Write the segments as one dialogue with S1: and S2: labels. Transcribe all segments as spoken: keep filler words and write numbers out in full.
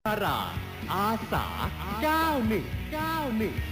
S1: ดาราอาสาเก้าหนึ่งเก้าหนึ่ง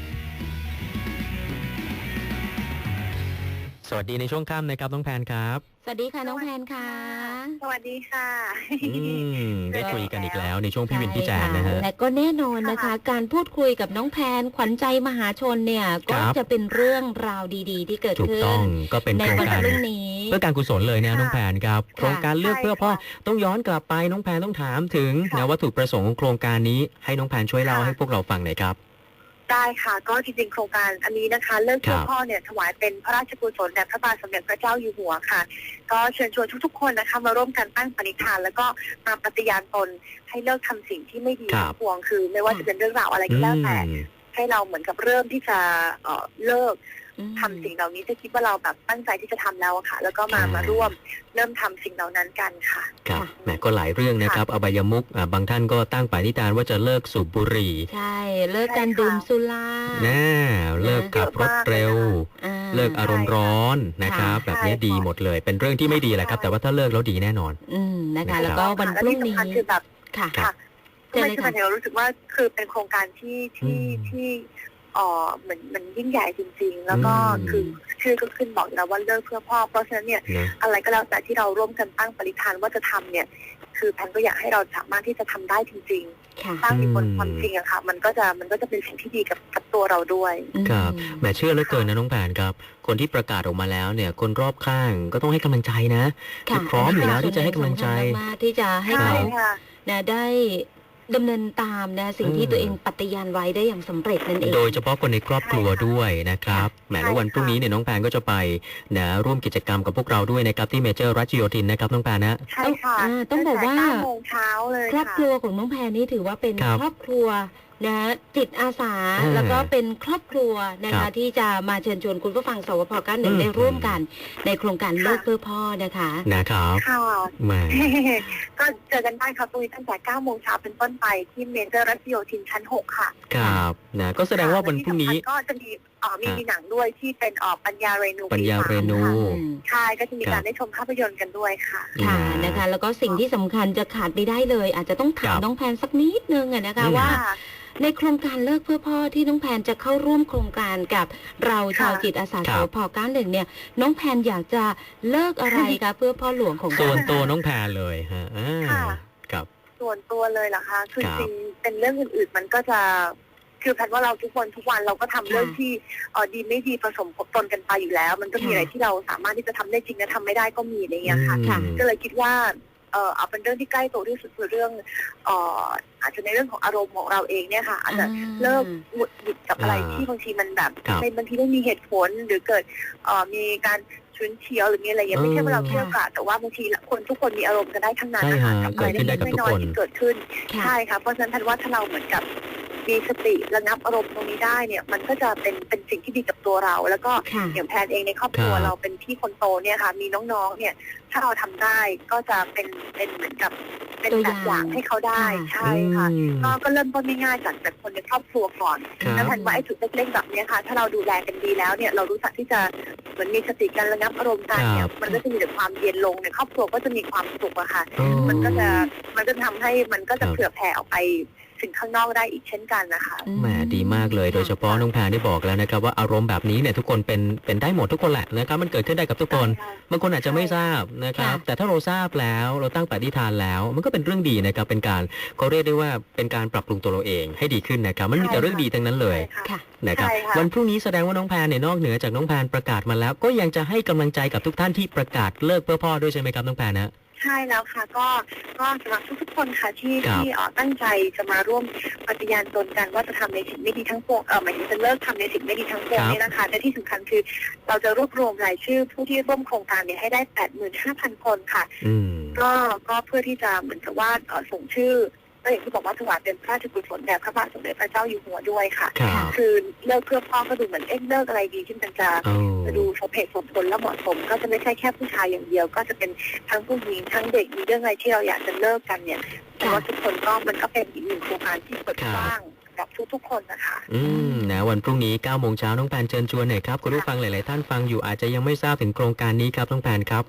S1: สวัสดีในช่วงค่ำนะครับน้องแพนครับ
S2: สวัสดีค่ะน้องแพนค่ะ
S3: สวัสดีค่ะ
S1: อืมได้คุยกันอีกแล้วในช่วงพี่วินพี่แจนนะฮะ
S2: และก็แน่นอนนะคะการพูดคุยกับน้องแพนขวัญใจมหาชนเนี่ยก็จะเป็นเรื่องราวดีๆที่เกิด
S1: ถูก
S2: ขึ้น
S1: ต้องก็เป็นโครงการ
S2: เรื่องนี้
S1: เพื่อการกุศลเลยนะน้องแพนครับโครงการเลือกเพื่อพ่อต้องย้อนกลับไปน้องแพนต้องถามถึงนะวัตถุประสงค์ของโครงการนี้ให้น้องแพนช่วยเล่าให้พวกเราฟังหน่อยครับ
S3: ได้ค่ะก็จริงๆโครงการอันนี้นะคะเลิกเพื่อพ่อเนี่ยถวายเป็นพระราชกุศลแด่พระบาทสมเด็จพระเจ้าอยู่หัวค่ะก็เชิญชวนทุกๆคนนะคะมาร่วมกันตั้งปณิธานแล้วก็มาปฏิญาณตนให้เลิกทำสิ่งที่ไม่ดีทั้งปวงคือไม่ว่าจะเป็นเรื่องราวอะไรก็แล้วแต่ให้เราเหมือนกับเริ่มที่จะเอ่อเลิกทำสิ่งเหล่านี้จะคิดว่าเราแบบตั้งใจที่จะทำแล้วค่ะแล้วก็มามาร่วมเริ่มทำสิ่งเหล่านั้นกันค่ะ
S1: ครับแหมก็หลายเรื่องนะครับอบายมุขบางท่านก็ตั้งปณิธานว่าจะเลิกสูบบุหรี่
S2: ใช่เลิกการดื่มสุรา
S1: แน่เลิกขับรถเร็วเลิกอารมณ์ร้อนนะครับแบบนี้ดีหมดเลยเป็นเรื่องที่ไม่ดีแหละครับแต่ว่าถ้าเลิกแล้วดีแน่นอน
S2: อืมนะคะแล้วก็วันพรุ่งนี้
S3: คือแบบ
S2: ค่ะ
S3: ไม่ใช่แต่เรารู้สึกว่าคือเป็นโครงการที่ที่ที่อ๋อเหมือนมันยิ่งใหญ่จริงๆแล้วก็คือชื่อก็ขึ้นบอกแล้วว่าเลิกเพื่อพ่อเพราะฉะนั้นเนี่ยอะไรก็แล้วแต่ที่เราร่วมกันตั้งปณิธานว่าจะทำเนี่ยคือแพนก็อยากให้เราสามารถที่จะทำได้จริงๆตั้งมีคนความจริงอะค่ะมันก็จะมันก็จะเป็นสิ่งที่ดีกับกับตัวเราด้วย
S1: ครับแหมเชื่อเหลือเกินนะน้องแพนครับคนที่ประกาศออกมาแล้วเนี่ยคนรอบข้างก็ต้องให้กำลังใจนะคือพร้อมอยู่แล้วที่จะให้กำลังใจ
S2: ที่จะให้เขาเนี่ยได้ดำเนินตามนะสิ่งที่ตัวเองปฏิญาณไว้ได้อย่างสำเร็จนั่นเอง
S1: โดยเฉพาะคนในครอบครัวด้วยนะครับแหมแล้ววันพรุ่งนี้เนี่ยน้องแพนก็จะไปนะร่วมกิจกรรมกับพวกเราด้วยนะครับที่เมเจอร์รัชโยธินนะครับน้องแพนนะ
S3: ใช่ค่ะ
S2: ต้องบอกว่า
S3: โมงเช้าเลย
S2: ครอบครัวของน้องแพนนี่ถือว่าเป็นครอบครัวนะจิตอาสาแล้วก็เป็นครอบครัวนะคะที่จะมาเชิญชวนคุณผู้ฟังสวพเก้าหนึ่งได้ร่วมกันในโครงการเลิกเพื่อพ่อนะคะ
S1: นะครับ
S3: ค่ะ
S1: มา
S3: ก็เจอกันได้ครับตรงนี้ตั้งแต่เก้าโมงเช้าเป็นต้นไปที่เมเจอร์รัชโยธินชั้นหกค่ะ
S1: ครับนะก็แสดงว่าวันพรุ่งนี้
S3: ก็จะมีอ๋อมีมีหนังด้วยที่เป็นออกปัญญาเรนู
S1: ปัญญาเรนู
S3: ใช่ก็จะมีการได้ชมภาพยนตร์กันด้วยค่ะ
S2: ค่ะนะคะแล้วก็สิ่งที่สำคัญจะขาดไม่ได้เลยอาจจะต้องถามน้องแพนสักนิดนึงนะคะว่าในโครงการเลิกเพื่อพ่อที่น้องแพนจะเข้าร่วมโครงการกับเราชาวจิตอาสาสพเก้าหนึ่งเนี่ยน้องแพนอยากจะเลิกอะไรคะเพื่อพ่อหลวงของเรา
S1: ส่วนตัวน้องแพนเลยฮะครับ
S3: ส่วนตัวเลยเหรอคะคือจริงเป็นเรื่องอื่นๆมันก็จะคือแพนว่าเราทุกคนทุกวันเราก็ทำเรื่องที่เออดีไม่ดีผสมปนกันไปอยู่แล้วมันก็มีอะไรที่เราสามารถที่จะทำได้จริงและทำไม่ได้ก็มีอะไรอย่างเงี้ยค่ะก็เลยคิดว่าเออเอาเป็นเรื่องที่ใกล้ตัวที่สุดคือเรื่องเอ่ออาจจะในเรื่องของอารมณ์ของเราเองเนี่ยค่ะอาจจะเลิกหงุดหงิดกับอะไรที่บางทีมันแบบบางทีไม่มีเหตุผลหรือเกิดเอ่อมีการชุนเฉียวหรือมีอะไรอย่างไม่ใช่ว่าเราเที่ยวกะแต่ว่าบางทีคนทุกคนมีอารมณ์กันได้ทั้งนั้นนะคะกับอะไรเล็กๆน้อยๆที่เกิดขึ้นใช่ค่ะเพราะฉะนั้นท่านว่าถ้าเราเหมือนกับมีสติระงับอารมณ์ตรงนี้ได้เนี่ยมันก็จะเป็นเป็นสิ่งที่ดีกับตัวเราแล้วก็อย่างแพนเองในครอบครัวเราเป็นพี่คนโตเนี่ยค่ะมีน้องๆเนี่ยถ้าเราทำได้ก็จะเป็นเป็นเหมือนกับเป็นแบบอย่างให้เขาได้ใช่ค่ะก็ก็เริ่มต้นง่ายๆจากจากคนในครอบครัวก่อนแล้วแพนว่าไอ้จุดเล็กๆแบบนี้ค่ะถ้าเราดูแลกันดีแล้วเนี่ยเรารู้จักที่จะเหมือนมีสติการระงับอารมณ์กันเนี่ยมันก็จะมีแต่ความเย็นลงในครอบครัวก็จะมีความสุขอะค่ะมันก็จะมันจะทำให้มันก็จะเผื่อแผ่ออกไปถึงข้างนอกได้อีกเช่นกันนะคะ
S1: แหมดีมากเลยโดยเฉพาะน้องแพนได้บอกแล้วนะครับว่าอารมณ์แบบนี้เนี่ยทุกคนเป็นเป็นได้หมดทุกคนแหละนะครับมันเกิดขึ้นได้กับทุกคนบางคนอาจจะไม่ทราบนะครับแต่ถ้าเราทราบแล้วเราตั้งปณิธานแล้วมันก็เป็นเรื่องดีนะครับเป็นการเขาเรียกได้ว่าเป็นการปรับปรุงตัวเราเองให้ดีขึ้นนะครับมันมีแต่เรื่องดีทั้งนั้นเลยนะครับวันพรุ่งนี้แสดงว่าน้องแพนเนี่ยนอกเหนือจากน้องแพนประกาศมาแล้วก็ยังจะให้กำลังใจกับทุกท่านที่ประกาศเลิกเพื่อพ่อด้วยใช่ไหมครับน้องแพนนะ
S3: ใช่แล้วค่ะก็ก็สำหรับทุกๆคนค่ะที่ที่ตั้งใจจะมาร่วมปฏิญาณตนกันว่าจะทำในสิ่งไม่ดีทั้งปวงเออหมายถึงจะเลิกทำในสิ่งไม่ดีทั้งปวงนี่นะคะแต่ที่สำคัญคือเราจะรวบรวมรายชื่อผู้ที่ร่วมโครงการเนี่ยให้ได้ แปดหมื่นห้าพัน คนค่ะก็ก็เพื่อที่จะเหมือนกับว่าส่งชื่อก็อย่างที่บอกว่าถวายเป็นพระราชกุศลแด่พระบาทสมเด็จพระเจ้าอยู่หัวด้วยค่ะคือเลิกเพื่อพ่อก็ดูเหมือนเอ๊ะเลิกอะไรดีที่มันจะจะดูสมเหตุสมผลและเหมาะสมก็จะไม่ใช่แค่ผู้ชายอย่างเดียวก็จะเป็นทั้งผู้หญิงทั้งเด็กมีเรื่องอะไรที่เราอยากจะเลิกกันเนี่ยแต่ว่าทุกคนก็มันก็เป็นอีกหนึ่งโครงการที่เปิดกว้างกับทุกๆคนนะคะ
S1: อืมนะวันพรุ่งนี้เก้าโมงเช้าน้องแพนเชิญชวนหน่อยครับคุณผู้ฟังหลายๆท่านฟังอยู่อาจจะยังไม่ทราบถึงโครงการนี้ครับน้องแพนครับ
S3: ค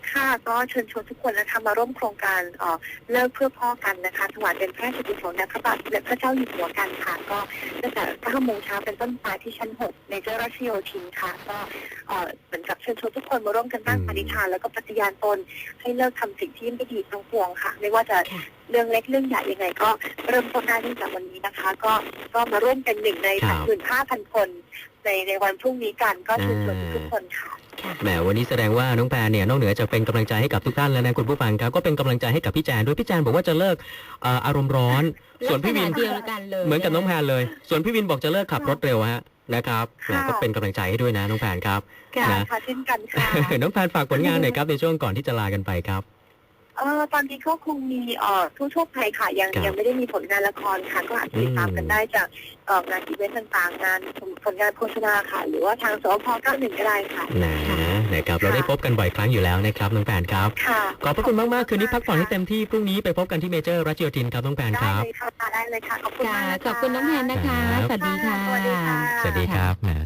S3: ค่ะก็เชิญชวนทุกคนนะคะมาร่วมโครงการเอ่อเลิกเพื่อพ่อกันนะคะถวายเป็นพระราชกุศลแด่พระบาทสมเด็จพระเจ้าอยู่หัวกันค่ะก็ตั้งแต่เก้าโมงเช้าเป็นต้นไปที่ชั้นหกในเจ้าราชโยธินค่ะก็เอ่อเหมือนกับเชิญชวนทุกคนมาร่วมกันตั้งปณิธานแล้วก็ปฏิญาณตนให้เลิกทำสิ่งที่ไม่ดีทั้งปวงค่ะไม่ว่าจะเรื่องเล็กเรื่องใหญ่ยังไงก็เริ่มต้นได้ตั้งแต่วันนี้นะคะ ก็ก็มาร่วมเป็นหนึ่งใน
S1: ครั
S3: สาม
S1: บ
S3: หมื่นห้าพันคนในในวันพรุ่งนี้กันก็เชิญชวนทุกคนค่ะ
S1: แหมวันนี้แสดงว่าน้องแพรเนี่ยนอกเหนือจากเป็นกำลังใจให้กับทุกท่านแล้วนะคุณผู้ฟังครับก็เป็นกำลังใจให้กับพี่แจนด้วยพี่แจนบอกว่าจะเลิกเอ่ออารมณ์ร้อน ส่วนพี่วิน
S2: ลักษณะเดียวกันเลย
S1: เหมือนกับน้องแพรเลย ส่วนพี่วินบอกจะเลิกขับรถเร็วฮะนะครับแหม
S3: ค่ะ
S1: ก็เป็นกำลังใจให้ด้วยนะน้องแพรครับ
S3: ค่ะ
S1: นะ
S3: ค่ะเช่นกันค่ะ
S1: น้องแพรฝากผลงานหน่อยครับในช่วงก่อนที่จะลากันไปครับ
S3: เออตอนนี้ก็คงมีเอ่อทั่วๆไปค่ะยัง
S1: ครับ
S3: ยังไม่ได้มีผลงานละครค่ะก็อาจจะติดตามกันได้จากเอ่องานอีเวนต์ต่างๆ งานผลงานโฆษณาค่ะ หรือว่าทางสพเก้าหนึ่งก็ได้ค่ะ
S1: นะนะครับเราได้พบกันบ่อยครั้งอยู่แล้วนะครับน้องแพรครับ
S3: ค่ะ
S1: ขอบพระคุณมากๆคืนนี้พักผ่อนให้เต็มที่พรุ่งนี้ไปพบกันที่เมเจอร์รัชโยธินครับน้องแพรค
S3: ได้
S1: รับ
S3: เลยค่ะได้เลยค่ะขอบคุณ
S2: ค่ะ
S3: มากนะะ
S2: ขอบคุณน้องแพนนะคะ
S1: ครับ
S2: สวัสดีค่ะ
S3: สวัสดีค่ะ
S1: สวัสดีครับแหม